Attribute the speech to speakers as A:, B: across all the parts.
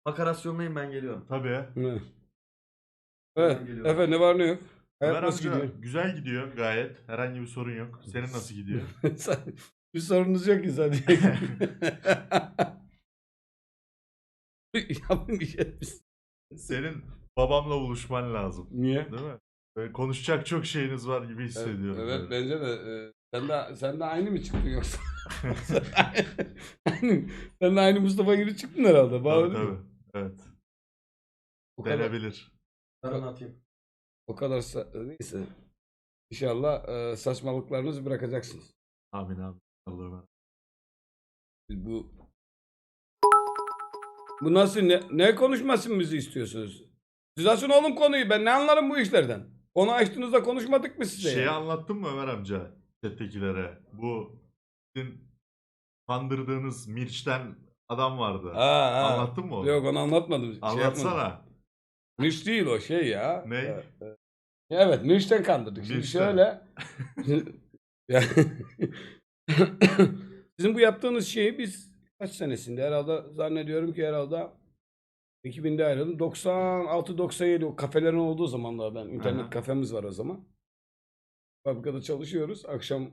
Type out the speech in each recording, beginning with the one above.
A: Makarasyonlayın, ben geliyorum.
B: Tabii.
C: Evet.
A: Hemen
C: Evet.
A: geliyorum.
C: Efe ne var ne yok? Hayat
B: Ömer
C: nasıl
B: amca
C: gidiyor?
B: güzel gidiyor gayet. Herhangi bir sorun yok. Senin nasıl gidiyor?
C: Bir sorunuz yok ki zaten. Yapın bir şey.
B: Senin babamla buluşman lazım.
C: Niye?
B: Değil mi? Böyle konuşacak çok şeyiniz var gibi hissediyorum.
C: Evet
B: böyle.
C: bence de. Sen de aynı mı çıktın yoksa? aynı, sen de aynı Mustafa gibi çıktın herhalde. Bağlı
B: Tabii
C: değil mi?
B: tabii. Evet.
C: O kadar,
B: Denebilir.
A: Ben anlatayım.
C: o kadar neyse. İnşallah saçmalıklarınızı bırakacaksınız.
B: Amin amin. Allah'ım.
C: Biz bu nasıl ne konuşmasını istiyorsunuz? Siz açın oğlum konuyu. Ben ne anlarım bu işlerden? Konu açtığınızda konuşmadık mı size?
B: Şeyi
C: ya?
B: anlattın mı Ömer amca? Chat'tekilere. Bu sizin kandırdığınız Mirç'ten adam vardı.
C: Ha.
B: Anlattın mı onu?
C: Yok onu anlatmadım. Şey
B: Anlatsana.
C: yapmadım. Mirç değil o şey ya.
B: Ne?
C: Evet Mirç'ten kandırdık. Şimdi
B: Mirç'ten.
C: şöyle. Ya- Sizin bu yaptığınız şeyi biz kaç senesinde herhalde zannediyorum ki herhalde 2000'de ayrıldım. 96-97 o kafelerin olduğu zamanlardan. İnternet
B: Aha.
C: kafemiz var o zaman. Fabrikada çalışıyoruz. Akşam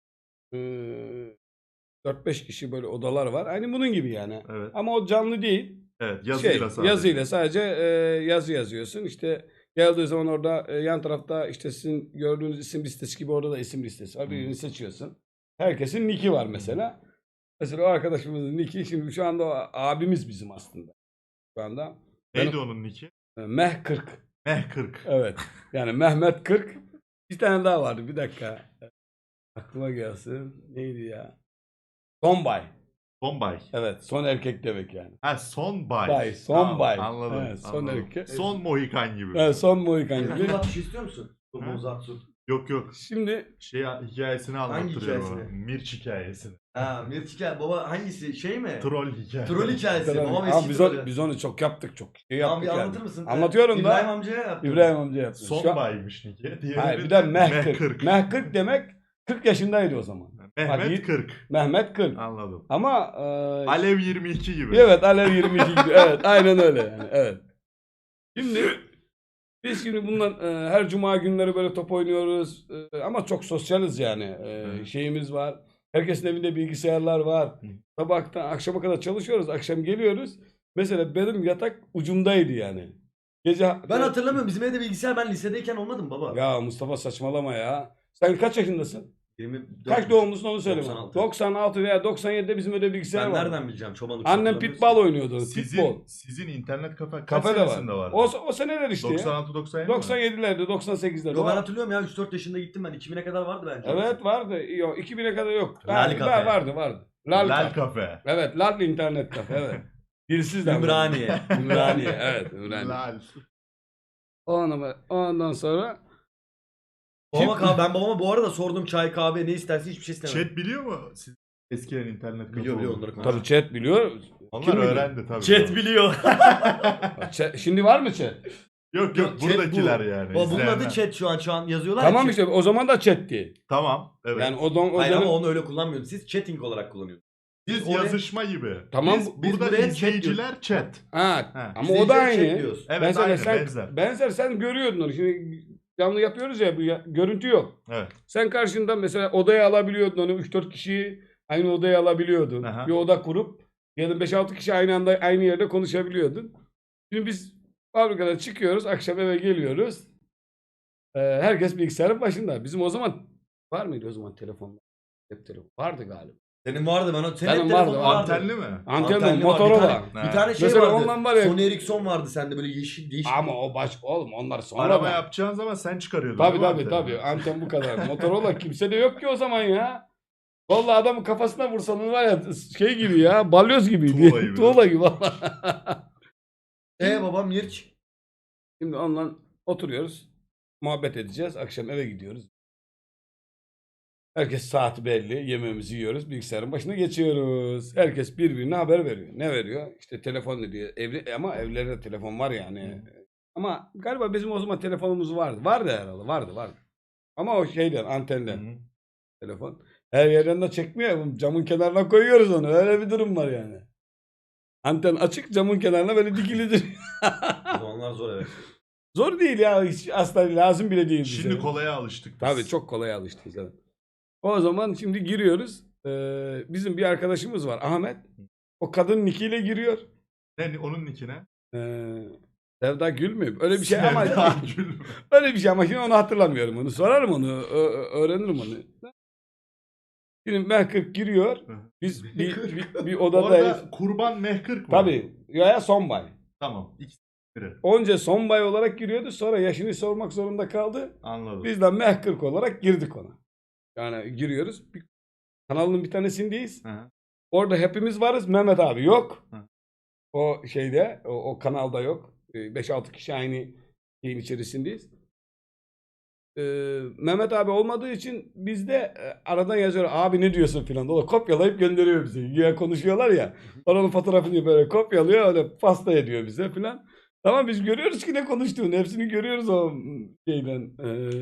C: 4-5 kişi böyle odalar var. Aynı bunun gibi yani.
B: Evet.
C: Ama o canlı değil.
B: Evet. Yazıyla sadece.
C: Yazıyla sadece yazı yazıyorsun. İşte geldiği zaman orada yan tarafta işte sizin gördüğünüz isim listesi gibi orada da isim listesi var. Birini seçiyorsun. Herkesin nick'i var mesela. Mesela o arkadaşımızın nick'i şimdi şu anda o abimiz bizim aslında. Şu anda.
B: Neydi onun nick'i?
C: Meh 40.
B: Meh 40.
C: Evet. Yani Mehmet 40. Bir tane daha vardı. Bir dakika. Aklıma gelsin. Neydi ya? Sonbay.
B: Bombay.
C: Evet. Son erkek demek yani.
B: Ha son bay.
C: Bay. Son
B: Tamam,
C: bay.
B: Anladım.
C: Evet, son
B: anladım.
C: erkek.
B: Son Mohikan gibi.
C: Evet, son Mohikan gibi.
A: Uzat bir şey istiyor musun?
B: Ha?
A: Uzat su.
B: Yok yok.
C: Şimdi
B: Şey hikayesini anlattırıyor bana.
A: hikayesini?
B: Mirç hikayesini.
A: Ha, Mirç hikaye. Baba hangisi? Şey mi?
B: Troll hikayesi.
A: Troll hikayesi. Babam
C: Ama
A: eski
C: biz,
A: trolü.
C: biz onu çok yaptık. Çok şey
A: Tamam,
C: yaptık
A: bir
C: yani.
A: anlatır mısın?
C: Anlatıyorum da.
A: İbrahim amcaya yaptım.
C: İbrahim amca yaptı.
B: Son
C: Şu an-
B: baymış nick'i. Diğeri
C: Hayır, bir de Meh 40. Meh 40
B: 40.
C: demek 40 yaşındaydı o zaman.
B: Mehmet
C: Bak,
B: 40.
C: Mehmet 40.
B: Anladım.
C: Ama
B: Alev 22 gibi.
C: evet Alev 22 gibi. Evet aynen öyle yani. Evet. Şimdi biz şimdi bundan her cuma günleri böyle top oynuyoruz. Ama çok sosyaliz yani. Şeyimiz var. Herkesin evinde bilgisayarlar var. Sabahtan akşama kadar çalışıyoruz. Akşam geliyoruz. Mesela benim yatak ucumdaydı yani. Gece
A: Ben hatırlamıyorum. Bizim evde bilgisayar ben lisedeyken olmadı mı baba?
C: Ya Mustafa saçmalama ya. Sen kaç yaşındasın?
A: 24.
C: Kaç doğumlusun onu söyle bana.
A: 96.
C: 96 veya 97'de bizim evde bilgisayar
A: Ben
C: var.
A: nereden bileceğim? Çobanlık.
C: Annem pitball oynuyordu. Pitball.
B: Sizin internet kafe kaç
C: Kafe de var.
B: senesinde var?
C: O seneler işte ya.
B: 96-97 mi?
C: 97'lerde, 98'lerde.
A: Yo, ben hatırlıyorum ya, 3-4 yaşında gittim ben. 2000'e kadar vardı bence.
C: Evet vardı. Yok 2000'e kadar yok.
A: Lal Kafe.
C: Vardı. Lal Kafe.
B: Kafe.
C: Evet Lal internet kafe evet. Dilsiz de.
A: Ümraniye.
C: Ümraniye evet Ümraniye.
B: Lal.
C: Ondan sonra
A: Ben babama bu arada sordum, çay kahve ne isterse hiçbir şey istemem.
B: Chat biliyor mu? Siz eskiden internet kafe
A: Biliyor,
B: oldu.
A: onları
C: tabii chat biliyor.
B: Onlar
C: Kim biliyor?
B: öğrendi tabii.
A: Chat biliyor.
C: Şimdi var mı chat?
B: Yok
A: Yok, chat
B: buradakiler
A: bu.
B: yani.
A: Bunun adı
B: izleyenler.
A: chat şu an yazıyorlar.
C: Tamam
A: ya,
C: işte o zaman da chatti.
B: Tamam. Evet.
C: Yani o
A: Hayır
C: dönem-
A: ama onu öyle kullanmıyordunuz. Siz chatting olarak kullanıyorsunuz.
B: Biz
A: oraya-
B: yazışma gibi.
C: Tamam,
A: biz
B: burada
A: buraya chat
B: izleyiciler chat.
C: Ha,
B: Ha.
C: ama o da
A: İzleyiciler chat
C: aynı.
A: diyoruz.
B: Evet
C: Mesela
B: aynı
C: sen,
B: benzer.
C: sen görüyordun onu. Şimdi canlı yapıyoruz ya, görüntü yok.
B: Evet.
C: Sen karşında mesela odaya alabiliyordun onu, 3-4 kişiyi aynı odaya alabiliyordun.
B: Aha.
C: Bir oda kurup ya da 5-6 kişi aynı anda aynı yerde konuşabiliyordun. Şimdi biz fabrikadan çıkıyoruz, akşam eve geliyoruz. Herkes bilgisayarın başında. Bizim o zaman var mıydı o zaman telefonlar? Hep telefon. Vardı galiba.
A: Senin vardı ben. Senin
C: Benim
A: hep
C: vardı,
A: telefonun vardı.
B: Antenli mi?
C: Antenli,
A: Antenli var.
C: Motorola.
A: Bir tane şey
C: Mesela
A: vardı.
C: ondan var ya-
A: Sony Ericsson vardı sende, böyle yeşil değişik.
C: Ama o oğlum onlar sonra
B: Arama
C: da.
B: yapacağın zaman sen çıkarıyordun.
C: Tabii
B: değil mi
C: tabii
B: anteni?
C: anten bu kadar. Motorola kimse de yok ki o zaman ya. Vallahi adamın kafasına vursanız var ya şey gibi ya, balyoz gibiydi.
B: Tuğla gibi.
C: Tuğla gibi vallahi.
A: Babam Mirç.
C: Şimdi onunla oturuyoruz. Muhabbet edeceğiz. Akşam eve gidiyoruz. Herkes saati belli. Yemeğimizi yiyoruz. Bilgisayarın başına geçiyoruz. Herkes birbirine haber veriyor. Ne veriyor? İşte telefon diyor. Ama evlerde telefon var yani. Ama galiba bizim o zaman telefonumuz vardı. Vardı herhalde. Vardı. Ama o şeyden, antenden.
B: Hı hı.
C: Telefon. Her yerden de çekmiyor. Camın kenarına koyuyoruz onu. Öyle bir durum var yani. Anten açık, camın kenarına böyle dikilidir.
A: O zamanlar zor evet.
C: Zor değil ya. Hiç asla lazım bile değil.
B: Şimdi
C: bize.
B: kolaya alıştık biz.
C: Tabii çok kolay alıştık zaten. O zaman şimdi giriyoruz. Bizim bir arkadaşımız var Ahmet. O kadın nickiyle giriyor.
B: Ne onun nickine?
C: Sevda Gül mü? Öyle bir şey ama
B: Sevda Gül.
C: öyle bir şey ama şimdi onu hatırlamıyorum onu. Sorarım onu. Öğrenirim onu. Şimdi Mehkırk giriyor. Biz bir odadayız.
B: Orada kurban mehkırk var.
C: Tabii. Ya Sonbay.
B: Tamam. İkisi biri.
C: Önce Sonbay olarak giriyordu. Sonra yaşını sormak zorunda kaldı.
B: Anladım.
C: Biz de Mehkırk olarak girdik ona. Yani giriyoruz. Kanalın bir tanesindeyiz.
B: Hı.
C: Orada hepimiz varız. Mehmet abi yok.
B: Hı.
C: O şeyde, o kanalda yok. 5-6 kişi aynı şeyin içerisindeyiz. Mehmet abi olmadığı için biz de aradan yazıyor. Abi ne diyorsun filan. O da kopyalayıp gönderiyor bize. Güya konuşuyorlar ya. Oranın fotoğrafını böyle kopyalıyor. Öyle pasta ediyor bize filan. Tamam biz görüyoruz ki ne konuştuğunu. Hepsini görüyoruz o şeyden.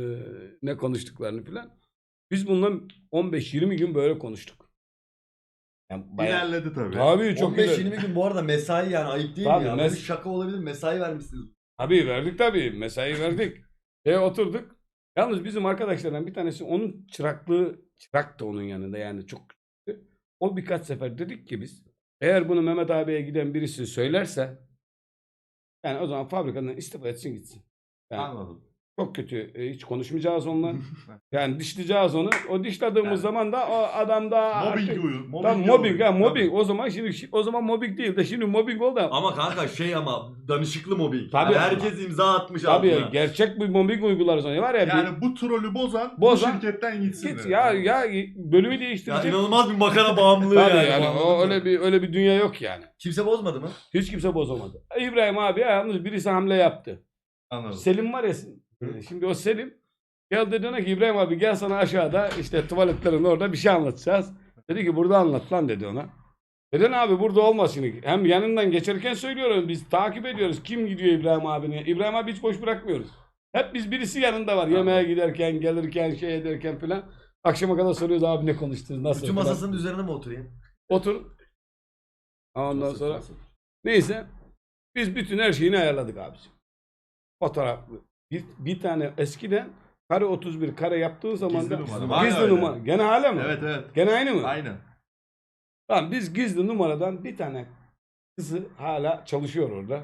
C: Ne konuştuklarını filan. Biz bundan 15-20 gün böyle konuştuk. Yani
B: İlerledi tabii.
C: Tabii çok güzel.
A: 15-20 gün bu arada mesai yani ayıp değil
C: Tabii,
A: mi ya? Böyle şaka olabilir, mesai vermişsiniz.
C: Tabii verdik tabii. Mesai verdik. Oturduk. Yalnız bizim arkadaşlardan bir tanesi onun çırak da onun yanında yani çok küçüktü. O birkaç sefer dedik ki biz eğer bunu Mehmet abiye giden birisi söylerse yani o zaman fabrikadan istifa etsin gitsin. Yani
B: Anladım.
C: çok kötü. Hiç konuşmayacağız onunla. Yani dişleyeceğiz onu. O dişlediğimiz
B: Yani.
C: zaman da o adam da
B: Mobbing
C: artık-
B: uyur.
C: Tam mobbing ya mobbing. O zaman o zaman mobbing değil de şimdi mobbing oldu.
A: Ama kanka ama danışıklı mobbing.
C: Tabii.
A: Yani herkes imza atmış
C: Tabii
A: altına.
C: gerçek bir mobbing uygular sonra var ya.
B: Yani bu trolü bozan bu
C: Bozan-
B: şirketten gitsin.
C: Git
B: dedi.
C: ya bölümü
A: Ya
C: değiştirecek.
A: inanılmaz bir makara bağımlılığı
C: Tabii
A: yani.
C: yani
A: Anladın
C: o
A: mı?
C: öyle bir dünya yok yani.
A: Kimse bozmadı mı?
C: Hiç kimse bozamadı. İbrahim abi yalnız birisi hamle yaptı.
B: Anladım.
C: Selim var ya şimdi o Selim geldi dedi ki İbrahim abi gel sana aşağıda işte tuvaletlerin orada bir şey anlatacağız. Dedi ki burada anlat lan dedi ona. Neden abi burada olmaz şimdi. Hem yanından geçerken söylüyorum biz takip ediyoruz. Kim gidiyor İbrahim abine? İbrahim abi hiç boş bırakmıyoruz. Hep biz birisi yanında var. Yemeğe giderken, gelirken, şey ederken filan. Akşama kadar soruyoruz abi ne konuştunuz, nasıl?
A: Bütün
C: filan.
A: masasının üzerine mi oturayım?
C: Otur. Ondan sonra neyse biz bütün her şeyini ayarladık abiciğim. Fotoğraflı. Bir tane eskiden kare 31 kare yaptığın zaman
B: Gizli
C: da
B: numara. Var
C: gizli
B: öyle.
C: numara. Gene hala mı?
B: Evet evet.
C: Gene aynı mı?
B: Aynı.
C: Tamam biz gizli numaradan bir tane kızı hala çalışıyor orada.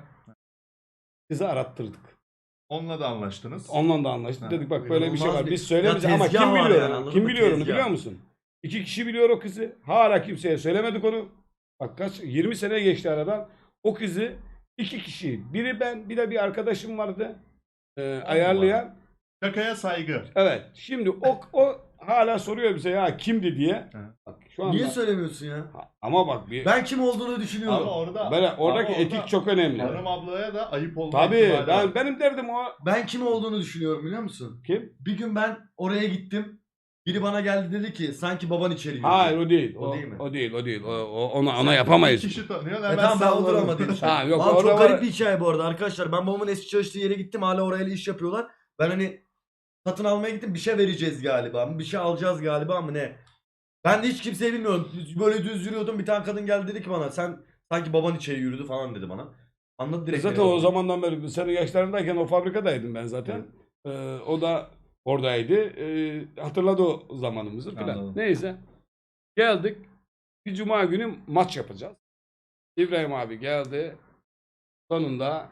C: Kızı arattırdık.
B: Onunla da anlaştınız.
C: Onunla da anlaştık.
B: Ha,
C: Dedik bak böyle bir şey
A: inanılmaz
C: var.
A: bir-
C: Biz söylemeyeceğiz
A: Ya
C: ama
A: tezgah
C: kim
A: var
C: biliyor
A: yani,
C: onu?
A: anladın
C: Kim
A: mı?
C: biliyor onu
A: Tezgah.
C: biliyor musun? 2 kişi biliyor o kızı. Hala kimseye söylemedik onu. Bak kaç 20 sene geçti aradan. O kızı 2 kişi. Biri ben bir de bir arkadaşım vardı. Ayarlayan.
B: Şakaya saygı.
C: Evet. Şimdi o hala soruyor bize ya kimdi diye. Bak, şu anda.
A: Niye söylemiyorsun ya?
C: Ama bak bir
A: Ben kim olduğunu düşünüyorum.
B: Ama orada
C: böyle oradaki
B: ama
C: etik
B: orada
C: çok önemli.
B: Hanım ablaya da ayıp olma
C: Tabii
B: ihtimali var.
C: benim derdim o.
A: Ben kim olduğunu düşünüyorum biliyor musun?
C: Kim?
A: Bir gün ben oraya gittim. Biri bana geldi dedi ki sanki baban içeri girdi.
C: Hayır o değil.
A: O değil mi?
C: O değil. O değil. Ona yapamayız.
B: Bir kişi tanıyor
A: E
B: hemen
A: tamam ben
B: salladım.
A: oturamadım işte.
C: Ha, yok,
A: Abi
C: orada
A: çok
C: var-
A: garip bir hikaye bu arada arkadaşlar. Ben babamın eski çalıştığı yere gittim. Hala orayla iş yapıyorlar. Ben hani satın almaya gittim. Bir şey vereceğiz galiba. Bir şey alacağız galiba mı ne? Ben de hiç kimseyi bilmiyorum. Böyle düz yürüyordum. Bir tane kadın geldi dedi ki bana sen sanki baban içeri yürüdü falan dedi bana. Anladı direkt.
C: Zaten
A: beni.
C: o zamandan beri senin yaşlarındayken o fabrikadaydım ben zaten. O da oradaydı. Hatırladı o zamanımızı filan.
B: Anladım.
C: Neyse. Geldik. Bir cuma günü maç yapacağız. İbrahim abi geldi. Sonunda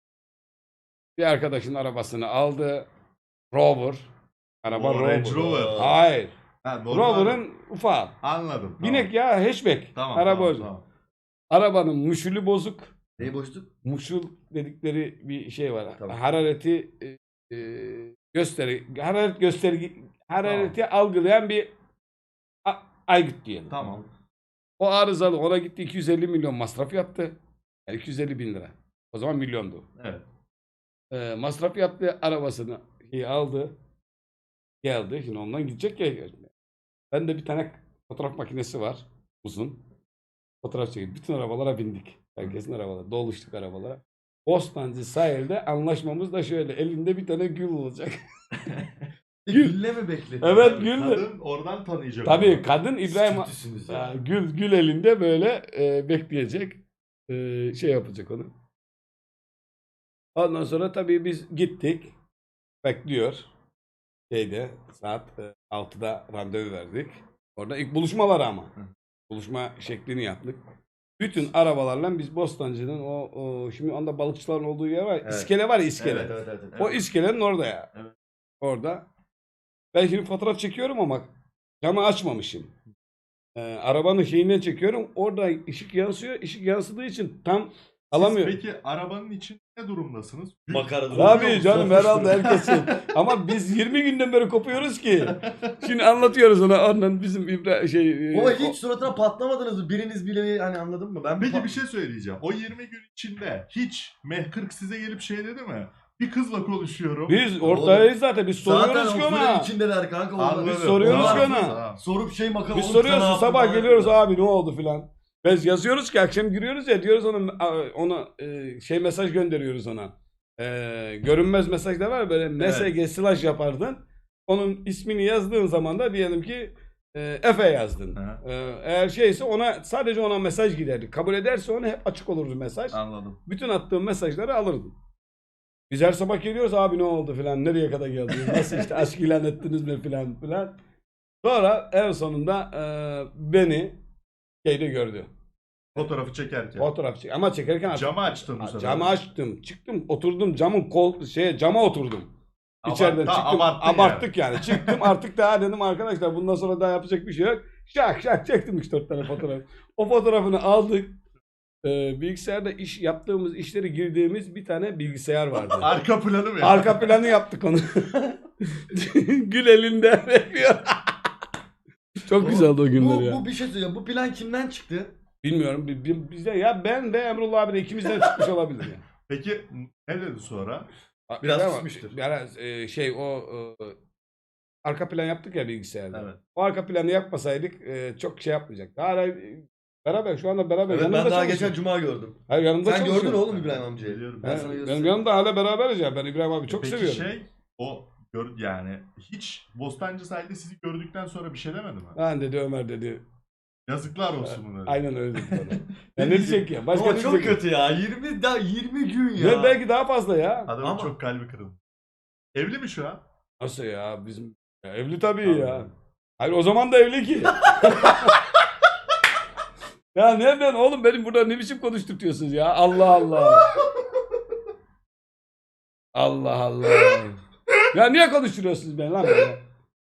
C: bir arkadaşın arabasını aldı. Rover. Araba
B: O
C: Rover.
B: Range Rover.
C: Hayır.
B: Ha, normal.
C: Rover'ın ufağı.
B: Anladım. Tamam.
C: Binek ya hatchback.
B: Tamam.
C: Araba
B: tamam,
C: bozuk.
B: tamam.
C: Arabanın muşulu bozuk.
A: Neyi boşluk?
C: Muşul dedikleri bir şey var.
A: Tamam.
C: Harareti harareti algılayan bir aygıt diyelim.
B: Tamam.
C: O arızalı ona gitti 250 milyon masraf yaptı. Yani 250 bin lira. O zaman milyondu.
B: Evet.
C: Masraf yaptı arabasını aldı. Geldi. Şimdi ondan gidecek ya. Ben de bir tane fotoğraf makinesi var. Uzun. Fotoğraf çekildi. Bütün arabalara bindik. Herkesin arabaları. Doluştuk arabalara. Bostancı sahilde anlaşmamız da şöyle. Elinde bir tane gül olacak.
A: Gülle mi bekledi?
C: Evet gül.
B: Kadın oradan tanıyacak.
C: Tabii
B: onu.
C: kadın İbrahim
A: Kötüsünüz ya.
C: gül elinde böyle bekleyecek. Şey yapacak onu. Ondan sonra tabii biz gittik. Bekliyor. Saat 6'da randevu verdik. Orada ilk buluşma var ama. Buluşma şeklini yaptık. Bütün arabalarla biz Bostancı'nın şimdi anda balıkçıların olduğu yer var.
A: Evet.
C: İskele var ya, iskele.
A: Evet.
C: O iskelenin orada ya.
B: Evet.
C: Orada. Ben şimdi fotoğraf çekiyorum ama camı açmamışım. Arabanın şeyinden çekiyorum. Orada ışık yansıyor. Işık yansıdığı için tam alamıyorum.
B: Siz peki arabanın için ne durumdasınız?
A: Makara
C: Tabii canım, herhalde herkesin. Ama biz 20 günden beri kopuyoruz ki. Şimdi anlatıyoruz ona. Ondan bizim
A: Baba hiç suratına patlamadınız mı? Biriniz bile hani, anladın mı? Ben
B: Peki bir şey söyleyeceğim. O 20 gün içinde hiç Meh40 size gelip şey dedi mi? Bir kızla konuşuyorum.
C: Biz ortadayız zaten. Biz soruyoruz
A: zaten
C: ki
A: o
C: ona.
A: içindeler kanka.
B: Anladım.
C: Biz soruyoruz
A: Tamam.
C: ki ona.
B: Tamam.
A: Sorup şey makara.
C: Biz
A: oğlum sen ne
C: soruyoruz,
A: yaptın
C: sabah
A: falan
C: geliyoruz
A: yapıyorlar.
C: abi ne oldu filan. Biz yazıyoruz ki akşam giriyoruz ya, diyoruz ona mesaj gönderiyoruz ona. Görünmez mesaj da var, böyle MSG slash yapardın. Onun ismini yazdığın zaman da diyelim ki Efe yazdın. Eğer şeyse ona, sadece ona mesaj giderdi. Kabul ederse ona hep açık olurdu mesaj.
B: Anladım.
C: Bütün attığım mesajları alırdım. Biz her sabah geliyoruz, abi ne oldu filan, nereye kadar geldiniz, nasıl işte aşk ilan ettiniz mi filan filan. Sonra en sonunda beni şeyde gördü.
B: Fotoğrafı çekerken.
C: Fotoğraf çek. Ama çekerken artık
B: Camı açtın bu sefer.
C: camı açtım. Çıktım, oturdum camın cama oturdum. İçeriden çıktım.
B: Abarttın
C: Abarttık yani. Çıktım artık, daha dedim arkadaşlar bundan sonra daha yapacak bir şey yok. Şak çektim 3-4 tane fotoğraf. O fotoğrafını aldık. Bilgisayarda yaptığımız işleri girdiğimiz bir tane bilgisayar vardı.
B: Arka planı mı?
C: Arka planı yaptık onu. Gül elinde bekliyor. Çok güzeldi o günler ya.
A: Bu bir şey söyleyeceğim. Bu plan kimden çıktı?
C: Bilmiyorum. Bizde ya, ben de Emrullah abi de ikimizden çıkmış olabilir ya.
B: Peki ne dedi sonra?
A: Biraz
C: Ama
A: susmuştur.
C: Biraz arka plan yaptık ya bilgisayarda.
B: Evet.
C: O arka planı yapmasaydık çok şey yapmayacaktı. Hala beraber, şu anda beraber.
A: Evet, ben
C: yanımda
A: daha
C: çalışıyor.
A: geçen cuma gördüm.
C: Hayır, yanımda
A: Sen
C: çalışıyor.
A: gördün oğlum İbrahim amcayı.
B: Biliyorum.
A: Ben sana
C: Benim
A: göstereyim.
C: yanımda hala beraberiz ya. Ben İbrahim abi çok
B: Peki
C: seviyorum.
B: o yani hiç Bostancı sahilde sizi gördükten sonra bir şey demedi mi?
C: Ben dedi, Ömer dedi.
B: Yazıklar olsun mu dedi.
C: Aynen öyle dedi bana. Ya ne diyecek ya? Başka
A: Ama
C: ne
A: çok
C: diyecek?
A: kötü ya. 20 gün ya.
C: Ya belki daha fazla ya.
B: Adamın
A: Ama-
B: çok kalbi kırıldı. Evli mi şu an?
C: Nasıl ya? Bizim ya, evli tabii ya.
B: Anladım.
C: Hayır, o zaman da evli ki. Ya nereden oğlum, benim burada ne biçim konuşturtuyorsunuz ya? Allah Allah. Allah Allah. Ya niye konuşturuyorsunuz beni lan böyle?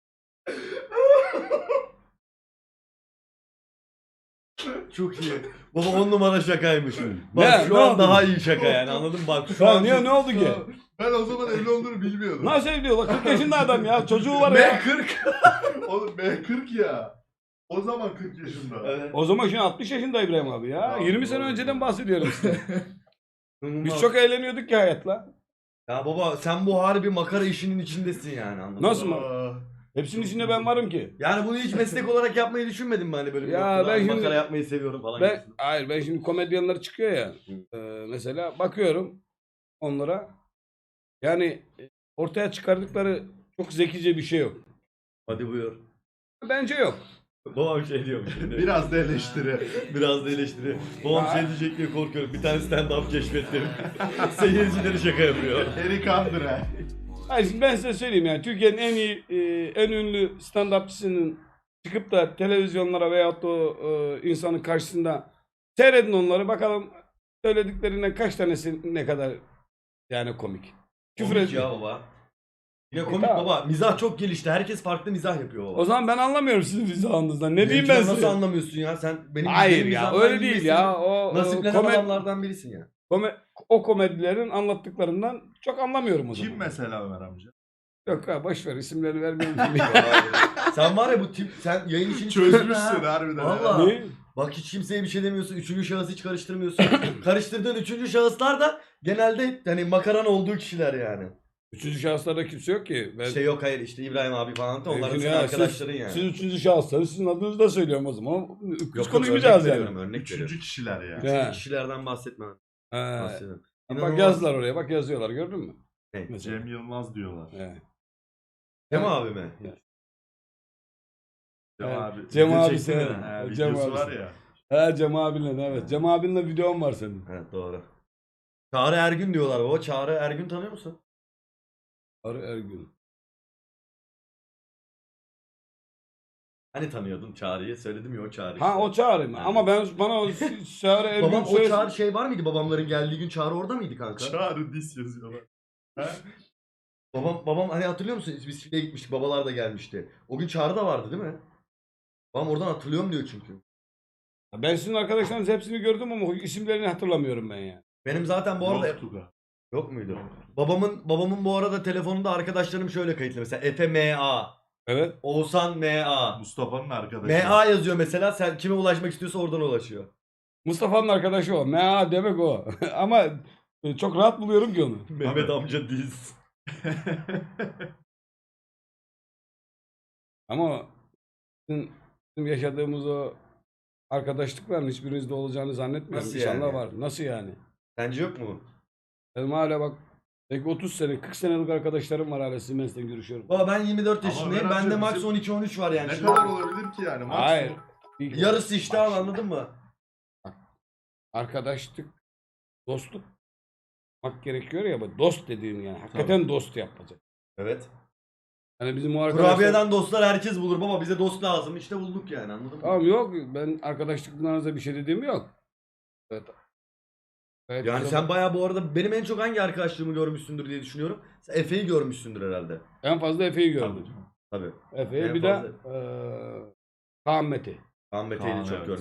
A: Çok iyi. Baba 10 numara şakaymış.
C: Ne?
A: Bak şu
C: Ne
A: an
C: oldu?
A: daha iyi şaka yani, anladın mı? Bak şu
C: Ya
A: an
C: niye, ne oldu ki?
B: Ben o zaman evli olduğunu bilmiyordum.
C: Nasıl evli ola? 40 yaşında adam ya. Çocuğu var ya.
A: M40.
B: Oğlum ben 40 ya. O zaman 40 yaşında.
A: Evet.
C: O zaman şimdi 60 yaşında İbrahim abi ya.
B: Tamam,
C: 20 sene
B: doğru.
C: önceden bahsediyorum size. Biz
A: İnanılmaz.
C: çok eğleniyorduk ki hayatla.
A: Ya baba sen bu harbi makara işinin içindesin yani, anladın
C: Nasıl
A: mı?
C: mı? Hepsinin içinde ben varım ki.
A: Yani bunu hiç meslek olarak yapmayı düşünmedin mi hani böyle bir
C: Ya
A: noktada?
C: ben
A: Hani
C: şimdi-
A: makara yapmayı seviyorum falan gibisinden.
C: Hayır, ben şimdi komedyenler çıkıyor ya. Mesela bakıyorum onlara. Yani ortaya çıkardıkları çok zekice bir şey yok.
A: Hadi buyur.
C: Bence yok.
A: Babam şey diyormuş şimdi.
B: Biraz da eleştiri.
A: Biraz da eleştiri. Babam
C: Ya.
A: şey diyecek diye korkuyorum. Bir tane stand-up keşfettim. Seyircileri şaka yapıyor.
B: Eric Andre.
C: Hayır, şimdi ben size söyleyeyim yani Türkiye'nin en iyi, en ünlü stand-upçısının çıkıp da televizyonlara veyahut da insanın karşısında seyredin onları, bakalım söylediklerinden kaç tanesi ne kadar yani komik. Küfür
A: Komik
C: ediyor.
A: ya baba. Yine komik
C: tamam.
A: baba. Mizah çok gelişti. Herkes farklı mizah yapıyor baba.
C: O zaman ben anlamıyorum sizin mizahınızdan. Ne diyeyim
A: Benimkiler
C: ben
A: nasıl
C: size?
A: anlamıyorsun ya? Sen benim
C: Hayır
A: benim
C: ya,
A: mizahımdan
C: öyle değil
A: bilmesin.
C: ya. O
A: Nasiplenen adamlardan birisin ya.
C: o komedilerin anlattıklarından çok anlamıyorum o zaman.
B: Kim mesela Ömer amca?
C: Yok ha, boş ver, isimleri vermiyorum şimdi.
A: Sen var ya bu tip, sen yayın işini
B: Çözmüşsün
A: ha.
B: harbiden.
A: Valla.
C: Ne?
A: Bak hiç kimseye bir şey demiyorsun. Üçüncü şahıs hiç karıştırmıyorsun. Karıştırdığın üçüncü şahıslar da genelde hani makaran olduğu kişiler yani.
C: Üçüncü şahıslarda kimse yok ki. Ben,
A: İşte yok hayır işte İbrahim abi falan da onlar
C: Şimdi
A: senin
C: ya,
A: arkadaşların yani.
C: Siz üçüncü şahısları sizin adınızı da söylüyorum o zaman. Biz
A: Yok,
C: konuşmayacağız
A: örnek
C: yani.
A: veriyorum, örnek veriyorum.
B: Üçüncü kişiler ya.
C: Ya.
A: Üçüncü kişilerden bahsetme.
C: He.
A: Bahsediyorum.
C: Bak
A: İnanılmaz.
C: yazdılar oraya, bak yazıyorlar, gördün mü?
A: Ne?
C: Mesela.
B: Cem Yılmaz diyorlar.
C: He.
A: Cem abi mi?
B: Cem
C: Evet.
B: abi.
C: Cem
B: Video
C: abi
B: çeksene.
C: sen.
B: Ha,
C: Cem
B: videosu
C: abi
B: var
C: sen.
B: ya.
C: He Cem abinle evet. Cem abinle videom var senin.
A: Evet doğru. Çağrı Ergün diyorlar baba. Çağrı Ergün tanıyor musun?
C: Arı Ergün.
A: Hani tanıyordun Çağrı'yı? Söyledim ya o Çağrı
C: Ha
A: işte.
C: o Çağrı mı?
A: Evet.
C: Ama bana o Çağrı Ergün
A: Babam o
C: söylesin.
A: Çağrı şey var mıydı? Babamların geldiği gün Çağrı orada mıydı kanka?
B: Çağrı dis yazıyorlar.
A: Babam hani hatırlıyor musun? Biz Şile'ye gitmiştik. Babalar da gelmişti. O gün Çağrı da vardı değil mi? Babam oradan hatırlıyorum diyor çünkü.
C: Ben sizin arkadaşlarınız hepsini gördüm ama isimlerini hatırlamıyorum ben ya.
A: Benim zaten bu arada
B: Yoktu da.
A: yok muydu? Babamın bu arada telefonunda arkadaşlarım şöyle kayıtlı mesela Efe MA,
C: Evet.
A: Oğuzhan MA.
B: Mustafa'nın arkadaşı.
A: MA yazıyor mesela. Sen kime ulaşmak istiyorsa oradan ulaşıyor.
C: Mustafa'nın arkadaşı o. MA demek o. Ama çok rahat buluyorum ki onu.
A: Mehmet amca diz.
C: Ama bizim yaşadığımız o arkadaşlıkların hiçbirinizde olacağını zannetmiyorum.
A: Nasıl
C: İnşallah
A: yani?
C: var. Nasıl yani?
A: Sence yok mu?
C: Benim hala bak belki 30 sene, 40 senelik arkadaşlarım var hala Siemens'ten görüşüyorum.
A: Baba ben 24
B: Ama
A: yaşındayım.
B: Ömer
A: Bende
B: amca
A: max
B: bizim-
A: 12-13 var yani.
B: Ne
A: Şimdi
B: kadar olabilir ki yani? Maksimum.
C: Hayır.
A: yarısı işte
C: Bak
A: al
C: şimdi,
A: anladın mı?
C: arkadaşlık, dostluk yapmak gerekiyor ya. Bu dost dediğin yani. Hakikaten dost yapacak.
A: Evet.
C: Yani bizim o arkadaşlar...
A: Kurabiyeden dostlar herkes bulur baba. Bize dost lazım. İşte bulduk yani anladın mı?
C: Tamam yok. Ben arkadaşlıklarınıza bir şey dediğim yok. Evet. Evet,
A: Yani
C: burada-
A: sen bayağı bu arada benim en çok hangi arkadaşlığımı görmüşsündür diye düşünüyorum. Sen Efe'yi görmüşsündür herhalde.
C: en fazla Efe'yi
B: Tabii
C: gördüm.
B: canım.
A: Tabii.
C: Efe'yi
A: En
C: bir de
A: fazla-
C: Kaan Mete.
A: Ahmet Eylül'ü
B: Kaan,
A: çok
B: evet.
A: görmüşüm.